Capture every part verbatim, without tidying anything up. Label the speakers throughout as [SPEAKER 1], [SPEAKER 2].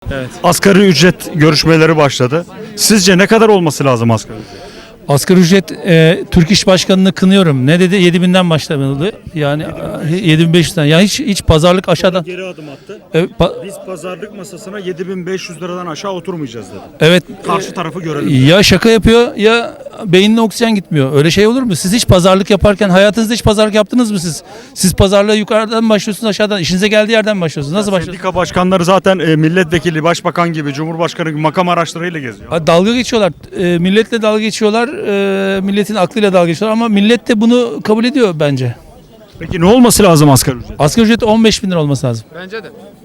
[SPEAKER 1] Evet.
[SPEAKER 2] Asgari ücret görüşmeleri başladı. Sizce ne kadar olması lazım asgari ücret?
[SPEAKER 1] Asgari ücret, e, Türk İş Başkanı'nı kınıyorum. Ne dedi? yedi binden başlamalı. Yani yedi bin beş yüzden. Yani hiç hiç pazarlık aşağıdan.
[SPEAKER 2] Geri adım attı.
[SPEAKER 1] E, pa-
[SPEAKER 2] Biz pazarlık masasına yedi bin beş yüz liradan aşağı oturmayacağız dedi.
[SPEAKER 1] evet.
[SPEAKER 2] Karşı tarafı görelim.
[SPEAKER 1] Ya şaka yapıyor ya beynine oksijen gitmiyor. Öyle şey olur mu? Siz hiç pazarlık yaparken hayatınızda hiç pazarlık yaptınız mı siz? Siz pazarlığa yukarıdan başlıyorsunuz, aşağıdan. İşinize geldiği yerden başlıyorsunuz. Nasıl başlıyorsunuz?
[SPEAKER 2] Sendika başkanları zaten e, milletvekili, başbakan gibi, cumhurbaşkanı gibi makam araçlarıyla geziyor.
[SPEAKER 1] Ha, dalga geçiyorlar. E, milletle dalga geçiyorlar. E, milletin aklıyla dalga geçiyorlar ama millet de bunu kabul ediyor bence.
[SPEAKER 2] Peki ne olması lazım asgari ücret?
[SPEAKER 1] Asgari ücret on beş bin lira olması lazım.
[SPEAKER 3] Bence de.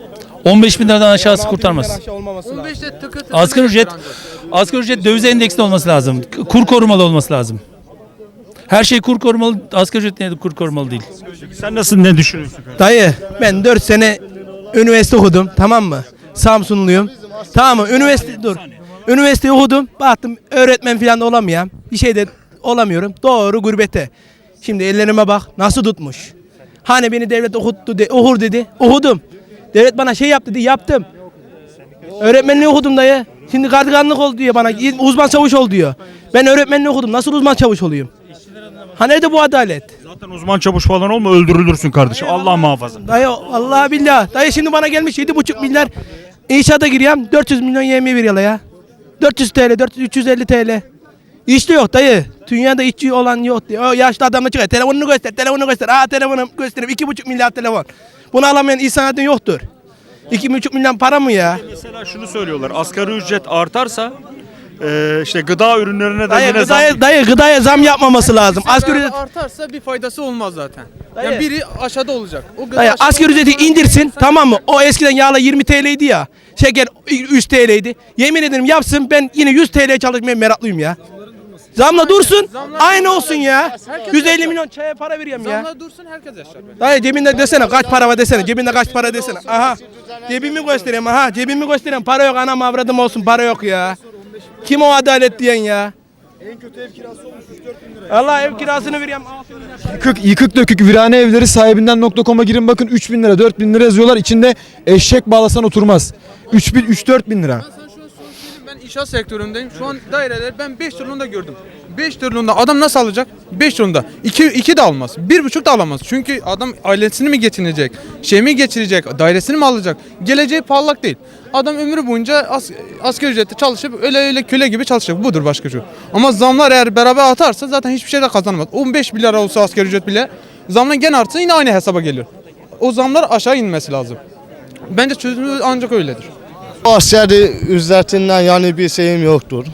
[SPEAKER 1] on beş bin liradan aşağısı kurtarmaz.
[SPEAKER 3] on beşte tıkı tıkı.
[SPEAKER 1] Asgari ücret, asgari ücret döviz endeksli olması lazım. Kur korumalı olması lazım. Her şey kur korumalı, asgari ücret ne kur korumalı değil.
[SPEAKER 2] Sen nasıl ne düşünüyorsun?
[SPEAKER 4] Dayı ben dört sene üniversite okudum, tamam mı? Samsunluyum. Tamam mı? Üniversite dur. Üniversite okudum. Baktım öğretmen falan da olamıyorum. Bir şey de olamıyorum. Doğru gurbete. Şimdi ellerime bak nasıl tutmuş. Hani beni devlet okuttu de, okur dedi. Okudum. Devlet bana şey yap dedi, yaptım. Öğretmenliği okudum dayı. Şimdi gardiyanlık ol diyor bana. Uzman çavuş ol diyor. Ben öğretmenliği okudum. Nasıl uzman çavuş olayım? Ha nerede bu adalet?
[SPEAKER 2] Zaten uzman çavuş falan olma öldürülürsün kardeşim. Allah muhafaza.
[SPEAKER 4] Dayı Allah billah. Dayı şimdi bana gelmiş yedi buçuk milyar inşaata giriyorum. dört yüz milyon yemeği veriyorlar ya. dört yüz TL, dört yüz, üç yüz elli TL. İşte yok dayı. Dünyada işçi olan yok diyor. O yaşlı adamla çıkıyor. Telefonunu göster, telefonunu göster. Aa telefonu göstereyim. iki buçuk milyar telefon. Bunu alamayan insanatın yoktur. iki buçuk milyon para mı ya?
[SPEAKER 2] Mesela şunu söylüyorlar. Asgari ücret artarsa e, işte gıda ürünlerine de
[SPEAKER 4] Dayı
[SPEAKER 2] yine
[SPEAKER 4] gıdaya,
[SPEAKER 2] zam.
[SPEAKER 4] dayı gıdaya zam yapmaması lazım. Asgari ücret,
[SPEAKER 3] artarsa bir faydası olmaz zaten.
[SPEAKER 4] Dayı.
[SPEAKER 3] Yani biri aşağıda olacak. O gıda
[SPEAKER 4] dayı
[SPEAKER 3] aşağıda
[SPEAKER 4] asgari
[SPEAKER 3] olacak,
[SPEAKER 4] ücreti
[SPEAKER 3] sonra
[SPEAKER 4] indirsin,
[SPEAKER 3] sen-
[SPEAKER 4] tamam mı? O eskiden yağla yirmi TL'ydi ya. Şeker üç TL'ydi. Yemin ederim yapsın, ben yine yüz TL çalışmaya meraklıyım ya. Zamla dursun.
[SPEAKER 3] Zamlar
[SPEAKER 4] Aynı
[SPEAKER 3] dursun.
[SPEAKER 4] olsun ya.
[SPEAKER 3] Herkes
[SPEAKER 4] yüz elli
[SPEAKER 3] yaşar.
[SPEAKER 4] milyon çaya para veriyorum ya.
[SPEAKER 3] Zamlar dursun herkes yaşar. bence.
[SPEAKER 4] Dayı cebinde desene kaç para var desene. Cebinde kaç para desene. Aha. Cebimi göstereyim aha. Cebimi göstereyim. Para yok, anam avradım olsun, para yok ya. Kim o adalet diyen ya? En kötü ev kirası olmuş üç dört bin lira. Allah ev kirasını veriyorum.
[SPEAKER 5] Yıkık, yıkık dökük virane evleri sahibinden nokta com'a girin bakın üç bin lira dört bin lira yazıyorlar. İçinde eşek bağlasan oturmaz. üç bin üç dört bin lira.
[SPEAKER 3] Ben sana şunu söyleyeyim, ben inşaat sektöründeyim. Şu an daireler ben beş trilyonda gördüm. beş trilyonda adam nasıl alacak? beş trilyonda. iki, iki de almaz. bir buçuk da alamaz. Çünkü adam ailesini mi geçinecek? Şey mi geçirecek? Dairesini mi alacak? Geleceği parlak değil. Adam ömrü boyunca as, asgari ücretle çalışıp öyle öyle köle gibi çalışacak. Budur başka şu. Ama zamlar eğer beraber atarsa zaten hiçbir şey de kazanamaz. on beş bin lira olsa asgari ücret bile zamlar gene artsa yine aynı hesaba geliyor. O zamlar aşağı inmesi lazım. Bence çözümü ancak öyledir.
[SPEAKER 6] Asgari ücretinden yani bir şeyim yoktur.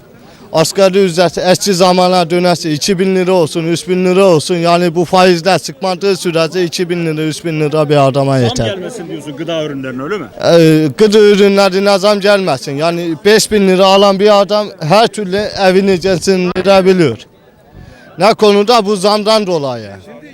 [SPEAKER 6] Asgari ücret eski zamana dönerse iki bin lira olsun, üç bin lira olsun. Yani bu faizler çıkmadığı sürece iki bin lira, üç bin lira bir adama
[SPEAKER 2] Zam
[SPEAKER 6] yeter.
[SPEAKER 2] gelmesin diyorsun gıda ürünlerine öyle mi?
[SPEAKER 6] Ee, gıda ürünlerine zam gelmesin. Yani beş bin lira alan bir adam her türlü evini geçindirebiliyor. Ne konuda? Bu zamdan dolayı.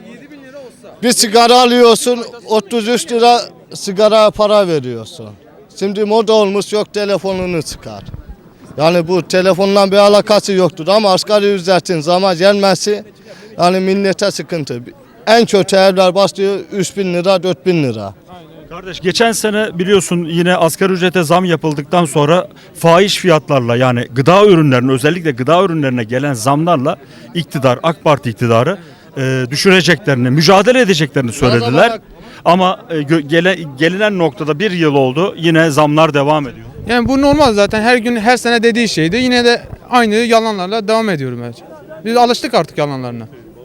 [SPEAKER 6] Bir sigara alıyorsun, otuz üç lira sigara para veriyorsun. Şimdi moda olmuş, yok telefonunu çıkar. Yani bu telefonla bir alakası yoktur ama asgari ücretin zama gelmesi yani millete sıkıntı. En kötü evler başlıyor üç bin lira, dört bin lira.
[SPEAKER 2] Kardeş geçen sene biliyorsun yine asgari ücrete zam yapıldıktan sonra fahiş fiyatlarla yani gıda ürünlerine özellikle gıda ürünlerine gelen zamlarla iktidar AK Parti iktidarı e, düşüreceklerini, mücadele edeceklerini söylediler. Ama e, gö- gele, gelinen noktada bir yıl oldu yine zamlar devam ediyor.
[SPEAKER 3] Yani bu normal zaten her gün her sene dediği şeydi. Yine de aynı yalanlarla devam ediyorum bence. Biz alıştık artık yalanlarına.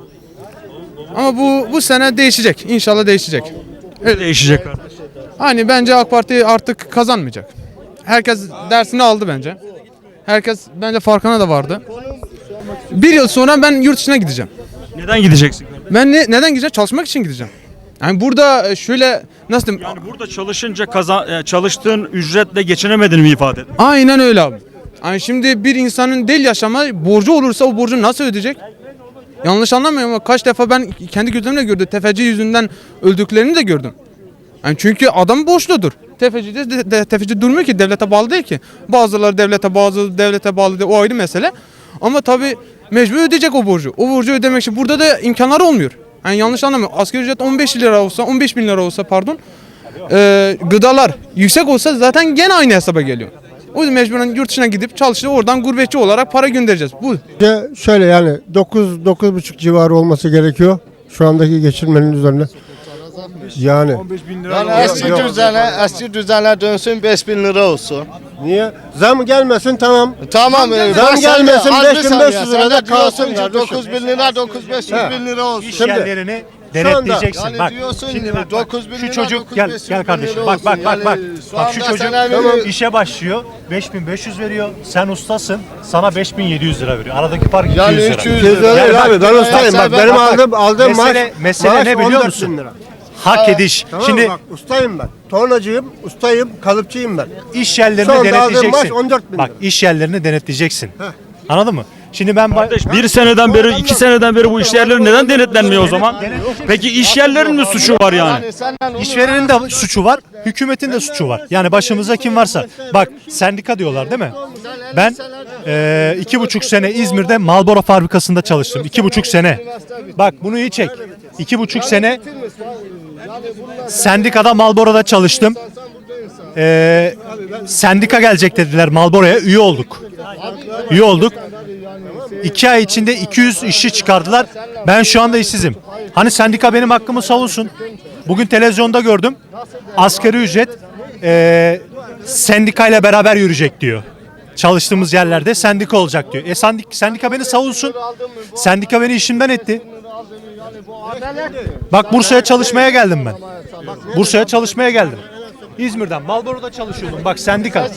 [SPEAKER 3] Ama bu bu sene değişecek. İnşallah değişecek.
[SPEAKER 2] Öyle değişecek kardeş.
[SPEAKER 3] Hani bence AK Parti artık kazanmayacak. Herkes dersini aldı bence. Herkes bence farkına da vardı. Bir yıl sonra ben yurt dışına gideceğim.
[SPEAKER 2] Neden gideceksin kardeş?
[SPEAKER 3] Ben ne, neden gideceğim? Çalışmak için gideceğim. Yani burada şöyle nasıl diyeyim?
[SPEAKER 2] Yani burada çalışınca kazan, e, çalıştığın ücretle geçinemediğini mi ifade et?
[SPEAKER 3] Aynen öyle abi. Yani şimdi bir insanın değil yaşama borcu olursa o borcu nasıl ödeyecek? Yanlış anlamıyorum ama kaç defa ben kendi gözlerimle gördüm. Tefeci yüzünden öldüklerini de gördüm. Yani çünkü adam borçludur. Tefeci de, de, de tefeci durmuyor ki, devlete bağlı değil ki. Bazıları devlete bağlı, devlete bağlı değil, o ayrı mesele. Ama tabii mecbur ödeyecek o borcu. O borcu ödemek için burada da imkanları olmuyor. Yani yanlış anlamıyorum. Asgari ücret on beş lira olsa, on beş bin lira olsa pardon. e, gıdalar yüksek olsa zaten gene aynı hesaba geliyor. O yüzden mecburen yurt dışına gidip çalışıp oradan gurbetçi olarak para göndereceğiz. Bu.
[SPEAKER 7] De şöyle yani dokuz dokuz buçuk civarı olması gerekiyor şu andaki geçirmenin üzerine. Yani
[SPEAKER 6] Yani eski düzene, eski düzene dönsün beş bin lira olsun.
[SPEAKER 7] niye? Zam gelmesin tamam.
[SPEAKER 6] Tamam. e,
[SPEAKER 7] Zam
[SPEAKER 6] bak sen de
[SPEAKER 7] gelmesin,
[SPEAKER 6] az bir
[SPEAKER 7] beş bin
[SPEAKER 6] saniye.
[SPEAKER 7] beş yüz
[SPEAKER 6] Sen de
[SPEAKER 7] lirada
[SPEAKER 6] diyorsun
[SPEAKER 7] kalsın
[SPEAKER 6] ki
[SPEAKER 7] kardeşim.
[SPEAKER 6] dokuz bin lira dokuz beş yüz bin lira olsun.
[SPEAKER 8] İş yerlerini denetleyeceksin.
[SPEAKER 6] Yani
[SPEAKER 8] bak.
[SPEAKER 6] diyorsun
[SPEAKER 8] Şimdi bak, bak,
[SPEAKER 6] dokuz bin
[SPEAKER 8] şu
[SPEAKER 6] lira,
[SPEAKER 8] çocuk
[SPEAKER 6] dokuz
[SPEAKER 8] gel
[SPEAKER 6] beş yüz
[SPEAKER 8] gel
[SPEAKER 6] bin
[SPEAKER 8] kardeşim.
[SPEAKER 6] lira
[SPEAKER 8] Bak bak
[SPEAKER 6] olsun.
[SPEAKER 8] bak bak.
[SPEAKER 6] Yani şu
[SPEAKER 8] Bak şu
[SPEAKER 6] anda
[SPEAKER 8] çocuk
[SPEAKER 6] sen evini-
[SPEAKER 8] işe başlıyor. beş bin beş yüz veriyor. Sen ustasın. Sana beş bin yedi yüz lira veriyor. Aradaki fark
[SPEAKER 6] Yani
[SPEAKER 8] iki yüz lira.
[SPEAKER 6] üç yüz
[SPEAKER 7] Teyze
[SPEAKER 6] lira.
[SPEAKER 7] öyle
[SPEAKER 8] bak,
[SPEAKER 7] abi ben ustayım bak
[SPEAKER 6] ben-
[SPEAKER 7] benim
[SPEAKER 6] bak,
[SPEAKER 7] aldığım aldığım
[SPEAKER 8] mesele,
[SPEAKER 7] maaş
[SPEAKER 8] mesele
[SPEAKER 7] maaş
[SPEAKER 8] ne biliyor
[SPEAKER 7] on dört bin
[SPEAKER 8] musun?
[SPEAKER 7] lira.
[SPEAKER 8] Hak ediş.
[SPEAKER 7] Tamam
[SPEAKER 8] Şimdi
[SPEAKER 7] bak ustayım ben. Tornacıyım, ustayım, kalıpçıyım ben.
[SPEAKER 8] iş yerlerini
[SPEAKER 7] Şu anda aldığım
[SPEAKER 8] denetleyeceksin.
[SPEAKER 7] maaş on dört bin
[SPEAKER 8] Bak
[SPEAKER 7] lira.
[SPEAKER 8] iş yerlerini denetleyeceksin. Anladın mı? Şimdi ben ba-
[SPEAKER 2] Bir seneden beri, iki seneden beri bu iş yerleri neden denetlenmiyor o zaman? Peki iş yerlerinin mi suçu var yani?
[SPEAKER 6] Yani senden onu-
[SPEAKER 8] İşverenin de suçu var, hükümetin de suçu var. Yani başımıza kim varsa. Bak sendika diyorlar değil mi? Ben eee, iki buçuk sene İzmir'de Marlboro fabrikasında çalıştım. İki buçuk sene. Bak bunu iyi çek. İki buçuk sene sendikada Marlboro'da çalıştım. Eee sendika gelecek dediler Marlboro'ya. Üye olduk. Üye olduk. İki ay içinde iki yüz işçi çıkardılar. Ben şu anda işsizim. Hani sendika benim hakkımı savunsun. Bugün televizyonda gördüm. Asgari ücret eee sendikayla beraber yürüyecek diyor. Çalıştığımız yerlerde sendika olacak diyor. E sendik, sendika beni savunsun. Sendika beni işimden etti. Bak Bursa'ya çalışmaya geldim ben. Bursa'ya çalışmaya geldim. İzmir'den Marlboro'da çalışıyordum. Bak sendika.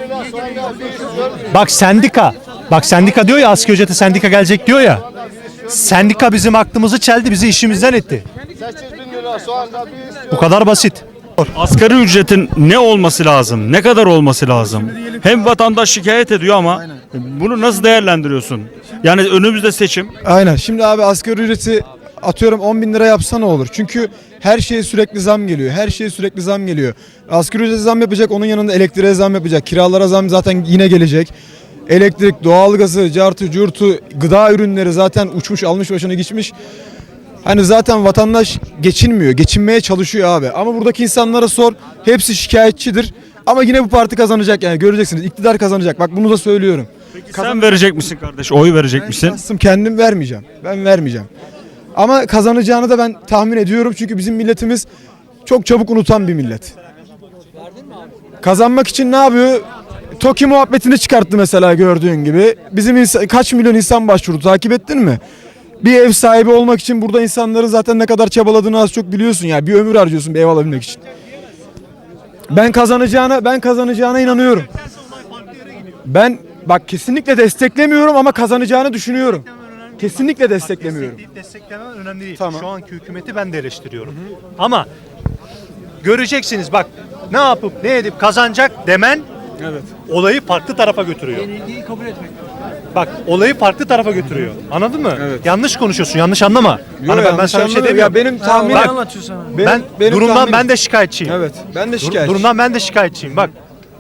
[SPEAKER 8] Bak sendika. Bak sendika diyor ya asgari ücrete sendika gelecek diyor ya. Sendika bizim aklımızı çeldi, bizi işimizden etti.
[SPEAKER 6] sekiz bin lira şu anda bir istiyor.
[SPEAKER 8] Bu kadar basit.
[SPEAKER 2] Asgari ücretin ne olması lazım? Ne kadar olması lazım? Hem vatandaş şikayet ediyor ama bunu nasıl değerlendiriyorsun? Yani önümüzde seçim.
[SPEAKER 5] Aynen. Şimdi abi asgari ücreti atıyorum on bin lira yapsa ne olur? Çünkü her şeye sürekli zam geliyor. Her şeye sürekli zam geliyor. Asgari ücrete zam yapacak, onun yanında elektriğe zam yapacak. Kiralara zam zaten yine gelecek. Elektrik, doğalgazı, cartı, curtu, gıda ürünleri zaten uçmuş, almış başını geçmiş. Hani zaten vatandaş geçinmiyor, geçinmeye çalışıyor abi. Ama buradaki insanlara sor, hepsi şikayetçidir. Ama yine bu parti kazanacak yani göreceksiniz. İktidar kazanacak. Bak bunu da söylüyorum.
[SPEAKER 2] Sen verecek misin kardeş? Oy verecek misin?
[SPEAKER 5] Şahsım kendim vermeyeceğim. Ben vermeyeceğim. Ama kazanacağını da ben tahmin ediyorum. Çünkü bizim milletimiz çok çabuk unutan bir millet. Kazanmak için ne yapıyor? TOKİ muhabbetini çıkarttı mesela gördüğün gibi. Bizim insan, kaç milyon insan başvurdu takip ettin mi? Bir ev sahibi olmak için burada insanların zaten ne kadar çabaladığını az çok biliyorsun ya. Bir ömür harcıyorsun bir ev alabilmek için. Ben kazanacağına ben kazanacağına inanıyorum. Ben bak kesinlikle desteklemiyorum ama kazanacağını düşünüyorum. Kesinlikle desteklemiyorum.
[SPEAKER 8] Destekleyip desteklemen önemli değil.
[SPEAKER 5] Tamam.
[SPEAKER 8] Şu anki hükümeti ben de eleştiriyorum. Ama göreceksiniz bak ne yapıp ne edip kazanacak demen olayı farklı tarafa götürüyor. Bak olayı farklı tarafa götürüyor. Anladın mı? Yanlış konuşuyorsun. Yanlış anlama. hani ben, ben sana bir şey demiyorum.
[SPEAKER 5] Ya benim tahminim
[SPEAKER 8] Bak, ben
[SPEAKER 5] benim
[SPEAKER 8] durumdan
[SPEAKER 5] tahminim-
[SPEAKER 8] ben de şikayetçiyim.
[SPEAKER 5] Evet. Ben de
[SPEAKER 8] Dur-
[SPEAKER 5] şikayetçiyim.
[SPEAKER 8] durumdan ben de şikayetçiyim. Bak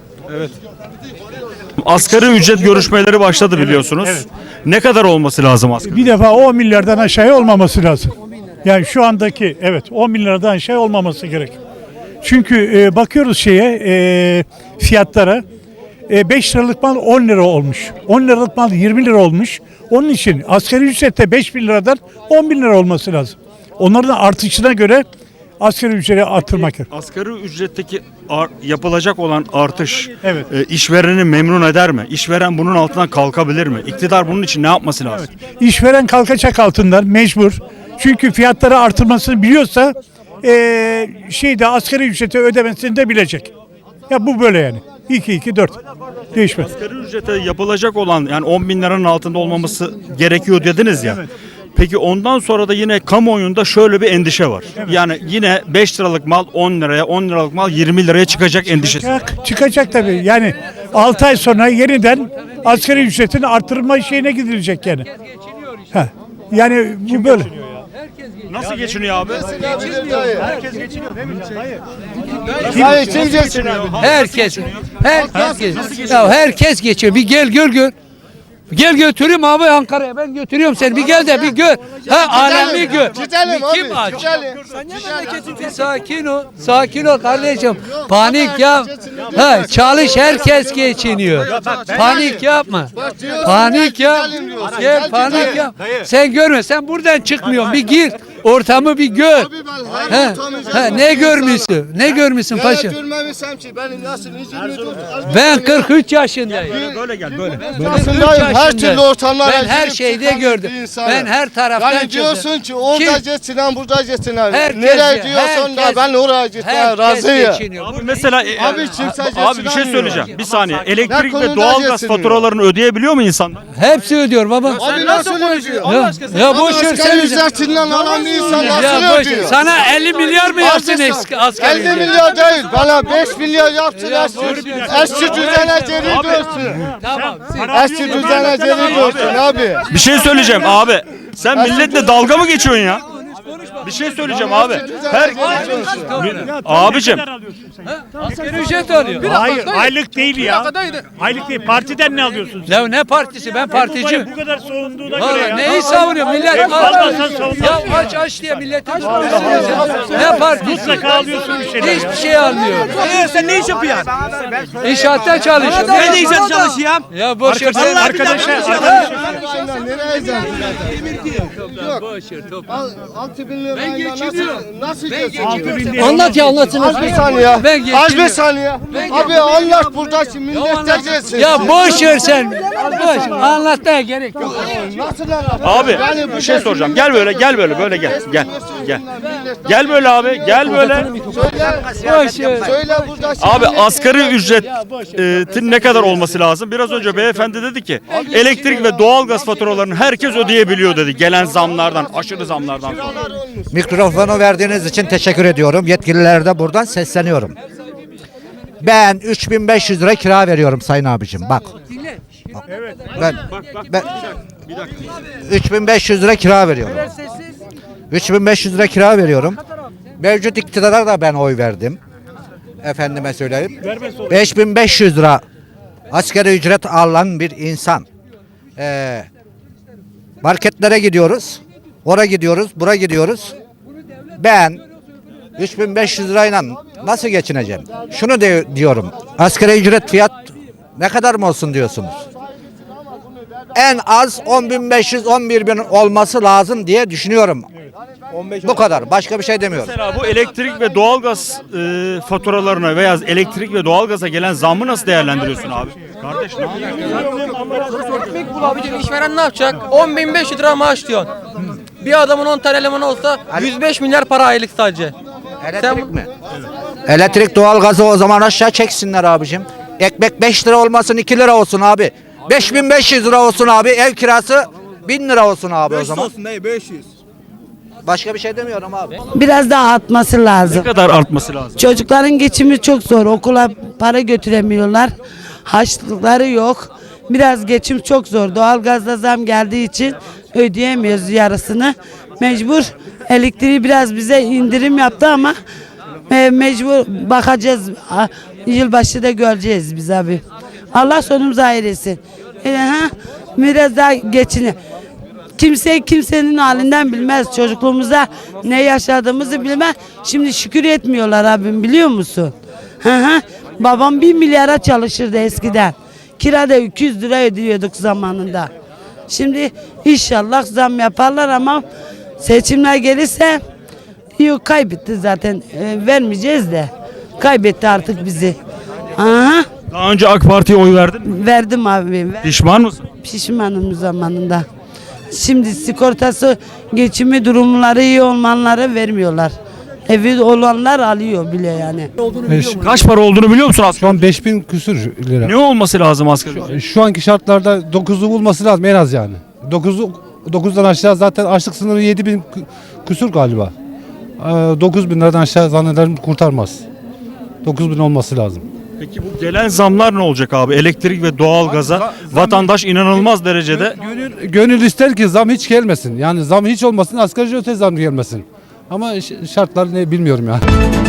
[SPEAKER 2] Asgari ücret görüşmeleri başladı biliyorsunuz.
[SPEAKER 8] evet.
[SPEAKER 2] Ne kadar olması lazım asgari?
[SPEAKER 9] Bir defa on milyardan aşağıya olmaması lazım. Yani şu andaki evet on milyardan aşağı olmaması gerek. Çünkü e, bakıyoruz şeye e, fiyatlara e, beş liralık mal on lira olmuş. on liralık mal yirmi lira olmuş. Onun için asgari ücrette beş bin liradan on bin lira olması lazım. Onların artışına göre asgari ücreti artırmak gerekiyor.
[SPEAKER 2] Asgari ücretteki ar- yapılacak olan artış
[SPEAKER 9] Evet.
[SPEAKER 2] e, işvereni memnun eder mi? İşveren bunun altından kalkabilir mi? İktidar bunun için ne yapması lazım?
[SPEAKER 9] İşveren kalkacak altından mecbur. Çünkü fiyatları artırmasını biliyorsa eee şeyde asgari ücreti ödemesini de bilecek. Ya bu böyle yani. iki iki dört değişmez.
[SPEAKER 2] Asgari ücrete yapılacak olan yani on bin liranın altında olmaması gerekiyor dediniz ya. Peki ondan sonra da yine kamuoyunda şöyle bir endişe var. Yani yine beş liralık mal on liraya, on liralık mal yirmi liraya çıkacak endişesi.
[SPEAKER 9] Çıkacak, çıkacak tabii. Yani altı ay sonra yeniden asgari ücretin artırılma şeyine gidilecek yani. Ha. Yani bu böyle.
[SPEAKER 2] Nasıl geçiniyor abi?
[SPEAKER 8] herkes geçiniyor değil mi? Hayır.
[SPEAKER 6] Hayır kim geçiniyor?
[SPEAKER 10] Herkes, herkes, ya herkes geçiyor. Bir gel gör gör. Gel götüreyim abi Ankara'ya. Ben götürüyorum seni. Bir gel de bir gör. Ha alemi gör.
[SPEAKER 6] Gidelim
[SPEAKER 10] Bir
[SPEAKER 6] abi.
[SPEAKER 10] Kim aç?
[SPEAKER 6] Gidelim.
[SPEAKER 10] Bir sakin ol. Sakin ol kardeşim. Panik yap. Ha çalış herkes geçiniyor. Panik yapma. Panik yap. Gel panik yap. Sen görme. Sen buradan çıkmıyorsun. Bir gir. Ortamı bir gör. Ha, ha, ne görmüşsün? Ne görmüşsün paşa?
[SPEAKER 6] Görmemişsem ki benim nasıl
[SPEAKER 10] Ben kırk üç yaşındayım.
[SPEAKER 2] Böyle gel böyle.
[SPEAKER 6] yaşındayım. Her türlü ortamlara
[SPEAKER 10] Ben her
[SPEAKER 6] girip
[SPEAKER 10] şeyde
[SPEAKER 6] çıkan
[SPEAKER 10] gördüm.
[SPEAKER 6] bir insanım.
[SPEAKER 10] Ben her taraftan
[SPEAKER 6] Yani diyorsun
[SPEAKER 10] çıktım.
[SPEAKER 6] ki orada
[SPEAKER 10] Kim?
[SPEAKER 6] geçsinler, burada geçsinler.
[SPEAKER 10] Herkes
[SPEAKER 6] Nereye
[SPEAKER 10] ya,
[SPEAKER 6] diyorsun da
[SPEAKER 10] herkes-
[SPEAKER 6] ben oraya gitmeye
[SPEAKER 10] Herkes
[SPEAKER 6] razıyım.
[SPEAKER 10] geçiniyor.
[SPEAKER 2] Abi mesela e,
[SPEAKER 6] Abi kimse
[SPEAKER 2] abi bir şey
[SPEAKER 6] geçinemiyor.
[SPEAKER 2] söyleyeceğim. Bir saniye. Elektrik
[SPEAKER 6] Ne
[SPEAKER 2] ve
[SPEAKER 6] konuda
[SPEAKER 2] doğalgaz
[SPEAKER 6] geçiniyor?
[SPEAKER 2] faturalarını ödeyebiliyor mu insanlar?
[SPEAKER 10] Hepsi ödüyor baba.
[SPEAKER 6] Abi nasıl ödüyor?
[SPEAKER 10] Ya, ya boş ver
[SPEAKER 6] Asgari
[SPEAKER 10] sen.
[SPEAKER 6] ücretinden alan bir insan
[SPEAKER 10] Ya
[SPEAKER 6] nasıl
[SPEAKER 10] boş ver.
[SPEAKER 6] ödüyor?
[SPEAKER 10] Sana elli milyar mı yapsın eski asgari
[SPEAKER 6] elli
[SPEAKER 10] ücret?
[SPEAKER 6] milyar değil. Bana beş milyar yapsın eski.
[SPEAKER 10] boş ver.
[SPEAKER 6] Eski düzene geri
[SPEAKER 2] Abi.
[SPEAKER 6] dönsün.
[SPEAKER 10] Tamam.
[SPEAKER 6] Eski düzene geri dönsün abi.
[SPEAKER 2] Bir şey söyleyeceğim abi. Sen milletle dalga mı geçiyorsun ya? Bir şey söyleyeceğim abi. Her abicim
[SPEAKER 10] Asgari ücret alıyor.
[SPEAKER 9] Hayır aylık değil ya.
[SPEAKER 3] dakikadaydı.
[SPEAKER 9] Aylık değil. Partiden ne alıyorsun sen?
[SPEAKER 10] Ya ne partisi? Ben
[SPEAKER 9] Bu
[SPEAKER 10] particiyim.
[SPEAKER 9] kadar, bu kadar soğunduğuna göre
[SPEAKER 10] Vallahi
[SPEAKER 9] ya.
[SPEAKER 10] neyi savunuyor millet?
[SPEAKER 9] Vallahi
[SPEAKER 10] aç.
[SPEAKER 9] sen savunuyorsun.
[SPEAKER 10] Ya aç aç diye milletin üstüne. Ne partisi?
[SPEAKER 9] Mutlaka alıyorsun bir şeyler.
[SPEAKER 10] Hiçbir şey almıyor.
[SPEAKER 4] sen ne iş yapıyorsun?
[SPEAKER 10] İnşaatta çalışıyor.
[SPEAKER 4] Ben de inşaat çalışıyorum.
[SPEAKER 10] Ya boş ver.
[SPEAKER 9] Arkadaşlar, arkadaşlar, arkadaşlar.
[SPEAKER 6] Nereye
[SPEAKER 10] Yok. Boş ver top.
[SPEAKER 6] altı bin lira
[SPEAKER 10] Ben geçiniyorum.
[SPEAKER 6] nasıl
[SPEAKER 10] Ben
[SPEAKER 6] geçiniyor?
[SPEAKER 10] geçiniyorum.
[SPEAKER 9] lira
[SPEAKER 10] Anlat ya anlatsın.
[SPEAKER 6] Az bir saniye.
[SPEAKER 10] Ben
[SPEAKER 6] Az bir
[SPEAKER 10] geçiniyorum.
[SPEAKER 6] saniye. Abi anlat buradaki millete geçsin.
[SPEAKER 10] Ya boş ver sen. Boş. Anlatmaya gerek yok.
[SPEAKER 6] Nasıl anlat?
[SPEAKER 2] abi bir şey soracağım. Gel böyle gel böyle böyle gel. Gel. Gel. Gel böyle abi. Gel böyle.
[SPEAKER 10] Boş ver.
[SPEAKER 6] Söyle buradaki
[SPEAKER 2] Abi asgari ücretin ne kadar olması lazım? Biraz önce beyefendi dedi ki elektrik ve doğalgaz faturalarını herkes ödeyebiliyor dedi. Gelen zamlardan, aşırı zamlardan sonra.
[SPEAKER 11] Mikrofonu verdiğiniz için teşekkür ediyorum. Yetkililere de buradan sesleniyorum. Ben üç bin beş yüz lira kira veriyorum sayın abicim. Bak. Ben, ben üç bin beş yüz lira kira veriyorum. üç bin beş yüz lira kira veriyorum. Mevcut iktidara da ben oy verdim. Efendime söyleyeyim. beş bin beş yüz lira asgari ücret alan bir insan. Ee, marketlere gidiyoruz. Oraya gidiyoruz, buraya gidiyoruz. Ben üç bin beş yüz lirayla nasıl geçineceğim? Şunu de, diyorum. Asgari ücret fiyat ne kadar mı olsun diyorsunuz? En az on bin beş yüz on bir bin olması lazım diye düşünüyorum. Bu kadar. Başka bir şey demiyorum.
[SPEAKER 2] Mesela bu elektrik ve doğalgaz e, faturalarına veya elektrik ve doğalgaza gelen zammı nasıl değerlendiriyorsun abi? Kardeş ne
[SPEAKER 12] Ekmek bul abicim, işveren ne yapacak? on bin beş yüz lira maaş diyor. Bir adamın on tane elemanı olsa yüz beş milyar para aylık sadece.
[SPEAKER 11] Elektrik mi? Elektrik doğalgazı o zaman aşağı çeksinler abicim. Ekmek beş lira olmasın iki lira olsun abi. beş bin beş yüz lira olsun abi. Ev kirası bin lira olsun abi o zaman.
[SPEAKER 4] olsun dayı beş yüz.
[SPEAKER 11] Başka bir şey demiyorum abi.
[SPEAKER 13] Biraz daha artması
[SPEAKER 2] Ne
[SPEAKER 13] lazım.
[SPEAKER 2] kadar artması lazım?
[SPEAKER 13] Çocukların geçimi çok zor. Okula para götüremiyorlar. Harçlıkları yok. Biraz geçim çok zor. Doğalgazda zam geldiği için ödeyemiyoruz yarısını. Mecbur elektriği biraz bize indirim yaptı ama e, mecbur bakacağız. A- Yılbaşı da göreceğiz biz abi. Allah sonumuzu hayır etsin. E, ha, biraz daha geçini. Kimse kimsenin halinden bilmez. Çocukluğumuzda ne yaşadığımızı bilmez. Şimdi şükür etmiyorlar abim, biliyor musun? Hı hı. Babam bir milyara çalışırdı eskiden. Kirada iki yüz lira ödüyorduk zamanında. Şimdi inşallah zam yaparlar ama seçimler gelirse yok, kaybetti zaten. E, vermeyeceğiz de. Kaybetti artık bizi. Aha.
[SPEAKER 2] Daha önce AK Parti'ye oy verdin mi?
[SPEAKER 13] Verdim abi. Ver.
[SPEAKER 2] Pişman mısın?
[SPEAKER 13] Pişmanım zamanında. Şimdi sigortası, geçimi durumları iyi olmanlara vermiyorlar. Evi olanlar alıyor bile yani.
[SPEAKER 2] Kaç para olduğunu biliyor musun aslında?
[SPEAKER 7] Şu an beş bin küsür lira.
[SPEAKER 2] Ne olması lazım asgari ücret?
[SPEAKER 7] Şu anki şartlarda dokuzu bulması lazım en az yani. dokuzu dokuzdan aşağı zaten açlık sınırı yedi bin küsür galiba. dokuz bin liradan aşağı zannederim kurtarmaz. dokuz bin olması lazım.
[SPEAKER 2] Peki bu gelen zamlar ne olacak abi? Elektrik ve doğalgaza vatandaş inanılmaz derecede
[SPEAKER 7] Gönül, gönül ister ki zam hiç gelmesin. Yani zam hiç olmasın, asgari ücrete zam gelmesin. Ama ş- şartlar ne bilmiyorum yani.